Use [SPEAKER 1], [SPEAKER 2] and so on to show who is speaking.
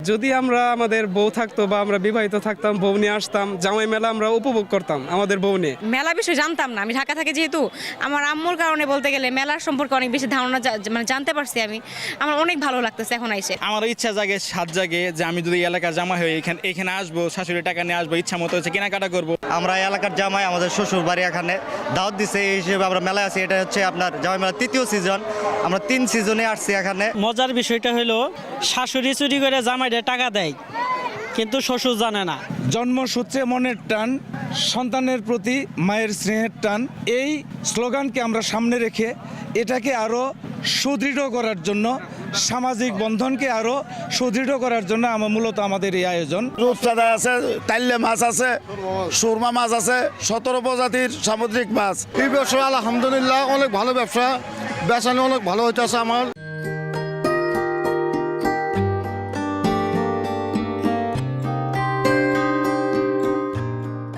[SPEAKER 1] যদি আমরা আমাদের বউ থাকতো বা আমরা বিবাহিত থাকতাম, বউ নিয়ে আসতাম, জামাই মেলা আমরা উপভোগ করতাম আমাদের বউ নিয়ে।
[SPEAKER 2] মেলা বিষয়ে জানতাম না, আমি ঢাকা থাকি যেহেতু, আমার আম্মুর কারণে বলতে গেলে মেলার সম্পর্কে অনেক বেশি ধারণা মানে জানতে পারছি আমি। আমার অনেক ভালো লাগতেছে এখন আইসে।
[SPEAKER 3] আমার ইচ্ছা জাগে, সাত জাগে যে আমি যদি এলাকার জামাই হই এখানে আসবো, শাশুড়ি টাকা নিয়ে আসবো, ইচ্ছা মতো হচ্ছে কেনাকাটা করবো।
[SPEAKER 4] আমরা এলাকার জামাই, আমাদের শ্বশুর বাড়ি এখানে দাওয়াত দিছে, এই হিসেবে আমরা মেলায় আছি। এটা হচ্ছে আপনার জামাই মেলা 3য় সিজন, আমরা 3 সিজনে আসছি এখানে।
[SPEAKER 5] মজার বিষয়টা হলো শাশুড়ি চুরি করে জামাইদের টাকা দেয়, কিন্তু শ্বশুর জানে না।
[SPEAKER 6] জন্মসূত্রে মনের টান, সন্তানের প্রতি মায়ের স্নেহের টান, এই স্লোগানকে আমরা সামনে রেখে এটাকে আরও সুদৃঢ় করার জন্য, সামাজিক বন্ধনকে আরও সুদৃঢ় করার জন্য মূলত আমাদের এই আয়োজন।
[SPEAKER 7] রূপচাঁদা আছে, তাইলে মাছ আছে, সুরমা মাছ আছে, 17 প্রজাতির সামুদ্রিক মাছ। এই ব্যবসা আলহামদুলিল্লাহ অনেক ভালো ব্যবসা, বেচানো অনেক ভালো হইতেছে আমার।